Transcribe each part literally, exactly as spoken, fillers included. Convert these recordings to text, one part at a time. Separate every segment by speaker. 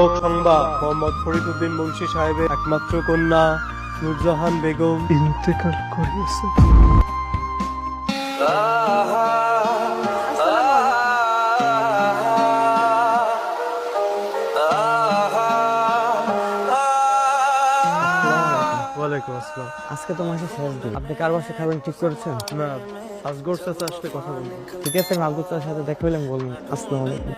Speaker 1: শোক সংবাদ, মোহাম্মদ ফরিদউদ্দিন মুন্সি সাহেবের একমাত্র কন্যা নূরজাহান বেগম ইন্তেকাল করিয়েছে। ওয়ালাইকুম আসসালাম।
Speaker 2: আজকে তো মাসে শেষ দিন, আপনি কার বাসায় খাবেন ঠিক করেছেন?
Speaker 1: না, আসগর চাচা আসলে কথা বলবো।
Speaker 2: ঠিক আছে, আমি আব্দুল চাচার সাথে দেখা হইলাম বলুন। আসসালামু আলাইকুম।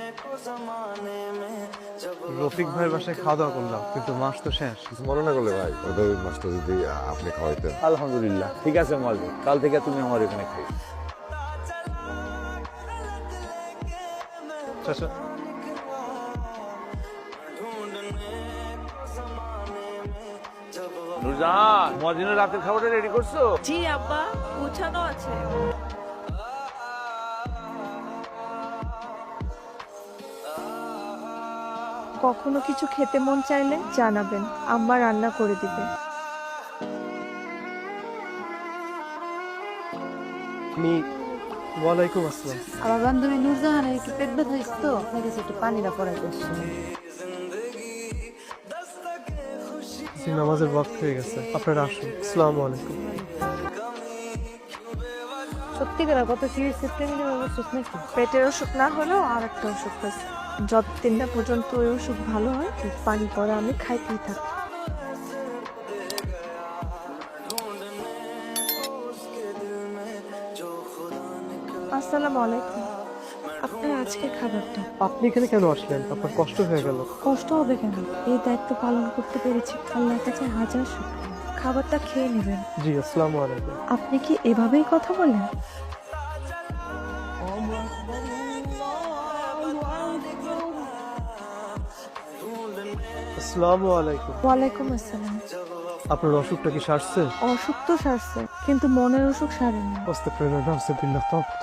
Speaker 1: রফিক ভাইয়ের বাসায় খাওয়া দাওয়া করলাম, কিন্তু মাস তো শেষ।
Speaker 3: কিছু মনে না করলে ভাই, ওদের মাছটা যদি আপনি খাওয়াইতেন।
Speaker 4: আলহামদুলিল্লাহ, ঠিক আছে মালবে, কাল থেকে তুমি আমার এখানে খাই।
Speaker 1: চাচা,
Speaker 4: নুরজাহান, মদিনের রাতের খাবারটা রেডি করছো?
Speaker 5: জি আব্বা, গুছানো আছে। কখনো কিছু খেতে মন চাইলে জানাবেন, আম্মা রান্না করে দিবে।
Speaker 1: আমি ওয়ালাইকুম আসসালাম।
Speaker 6: আমার বান্ধবী নূরজাহানের একটু পেট ব্যথা হয়েছে তো, আপনার কাছে একটু পানিটা পড়াইতে আসছিলাম।
Speaker 1: জি, নামাজের ওয়াক্ত হয়ে গেছে, আপনারা আসুন। আসসালামু আলাইকুম।
Speaker 6: সত্যিকার কত সিরিয়াস প্রেমিকের অবস্থা নাকি?
Speaker 5: পেটের অসুখ না হলেও আর একটা অসুখ আছে, যতদিন না পর্যন্ত ওই অসুখ ভালো হয় পানি পড়া আমি খাইতেই থাকি। আসসালামু আলাইকুম। আপনার আজকে খাবারটা।
Speaker 1: আপনি এখানে কেন আসলেন? আপনার কষ্ট হয়ে গেল?
Speaker 5: কষ্ট হবে কেন? এই দায়িত্ব পালন করতে পেরেছি, আল্লাহর কাছে হাজার শুকরিয়া। খাবারটা খেয়ে নেবেন।
Speaker 1: জি, আসসালামু আলাইকুম।
Speaker 5: আপনি কি এভাবেই কথা বলেন?
Speaker 1: আসসালামু আলাইকুম।
Speaker 5: ওয়ালাইকুম আসসালাম।
Speaker 1: আপনার অসুখটা কি সারছে?
Speaker 5: অসুখ তো সারছে, কিন্তু মনের অসুখ সারেনি।
Speaker 1: আস্তাগফিরুল্লাহ, নাউযুবিল্লাহ। তাওবা।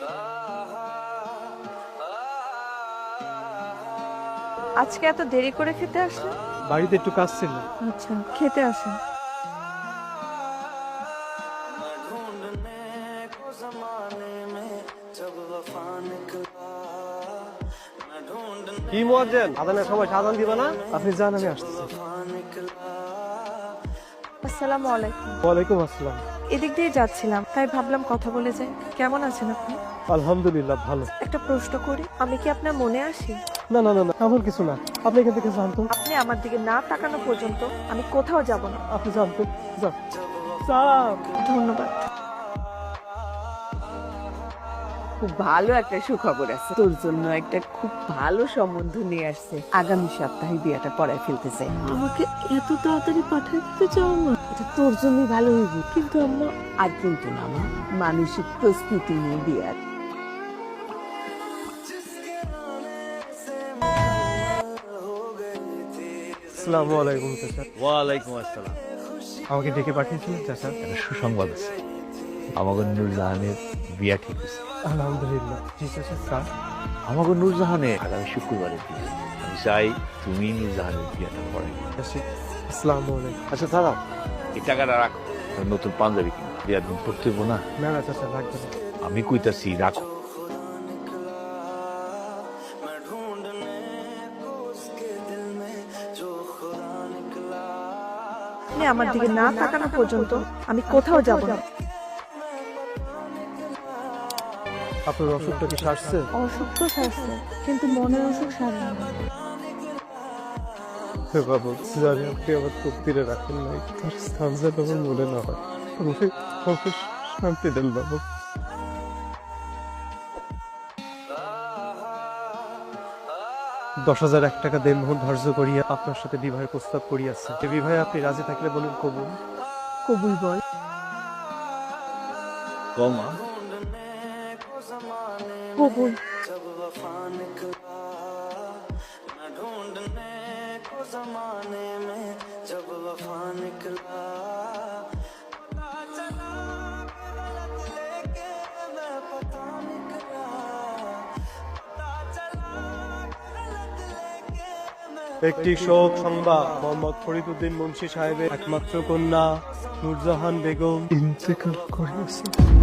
Speaker 5: আজকে এত দেরি করে খেতে আসলেন?
Speaker 1: বাড়িতে একটু কাজ ছিল।
Speaker 5: আচ্ছা, খেতে আসেন।
Speaker 1: কি মুয়াজ্জিন, আযানের সময় আযান দিবা না? আপনি যান, আমি আসতেছি।
Speaker 5: আসসালামু আলাইকুম।
Speaker 1: ওয়ালাইকুম আসসালাম।
Speaker 5: এদিক দিয়ে যাচ্ছিলাম, তাই ভাবলাম কথা বলে যাই। কেমন আছেন আপনি?
Speaker 1: আলহামদুলিল্লাহ, ভালো।
Speaker 5: একটা প্রশ্ন করি, আমি কি আপনার মনে আসি?
Speaker 1: না না না না, এমন কিছু না। আপনি এখান থেকে জানতো,
Speaker 5: আপনি আমার দিকে না তাকানো পর্যন্ত আমি কোথাও যাব না।
Speaker 1: আপনি জানতো। যান যান।
Speaker 5: ধন্যবাদ।
Speaker 7: খুব ভালো একটা সুখবর আছে, তোর জন্য একটা খুব ভালো সম্বন্ধ নিয়ে আসছে। আগামী সপ্তাহে বিয়েটা পড়ায় ফেলতে চাই।
Speaker 5: আমাকে এত তাড়াতাড়ি পাঠিয়ে দিতে চাও না?
Speaker 7: এটা তোর জন্যই ভালো হইবে, কিন্তু আমরা আর কিন্তু না, আমার মানসিক প্রস্তুতি নিয়ে বিয়ার।
Speaker 1: আসসালামু আলাইকুম চাচা।
Speaker 4: ওয়ালাইকুম আসসালাম।
Speaker 1: আমাকে ডেকে পাঠিয়েছিলেন চাচা?
Speaker 4: একটা সুসংবাদ আছে, আমাকে নূরজাহানের বিয়া ঠিক হয়েছে।
Speaker 1: আলহামদুলিল্লাহ। জি চাচা। স্যার,
Speaker 4: আমাকে নূরজাহানের আগামী শুক্রবারে বিয়ে। আমি চাই তুমি নূরজাহানের বিয়েটা পড়াই।
Speaker 1: আসসালামু আলাইকুম।
Speaker 4: আচ্ছা দাদা, এই টাকাটা রাখো, নতুন পাঞ্জাবি কিনো, বিয়ার দিন পড়তে হইবো না।
Speaker 1: না না চাচা, লাগবে না।
Speaker 4: আমি কইতাছি রাখো।
Speaker 5: আপনি আমার দিকে না তাকানো পর্যন্ত আমি কোথাও যাব না।
Speaker 1: আপনার অসুখটা কি সারছে?
Speaker 5: অসুখ তো সারছে, কিন্তু মনের অসুখ সারেনি।
Speaker 1: বাবু, জানি আপনি আমার তকদিরে রাখেন নাই, তার স্থান যেন আমার মনে না হয়। আমাকে আমাকে শান্তি দেন বাবু। দশ হাজার এক টাকা দেনমোহর ধার্য করিয়া আপনার সাথে বিবাহের প্রস্তাব করিয়াছে। এই বিবাহে আপনি রাজি থাকলে বলুন কবুল।
Speaker 5: কবুল বল।
Speaker 4: কমা
Speaker 5: কবুল।
Speaker 1: একটি শোক সংবাদ, মোহাম্মদ ফরিদউদ্দিন মুন্সি সাহেবের একমাত্র কন্যা নূরজাহান বেগম ইন্তেকাল করিয়েছে।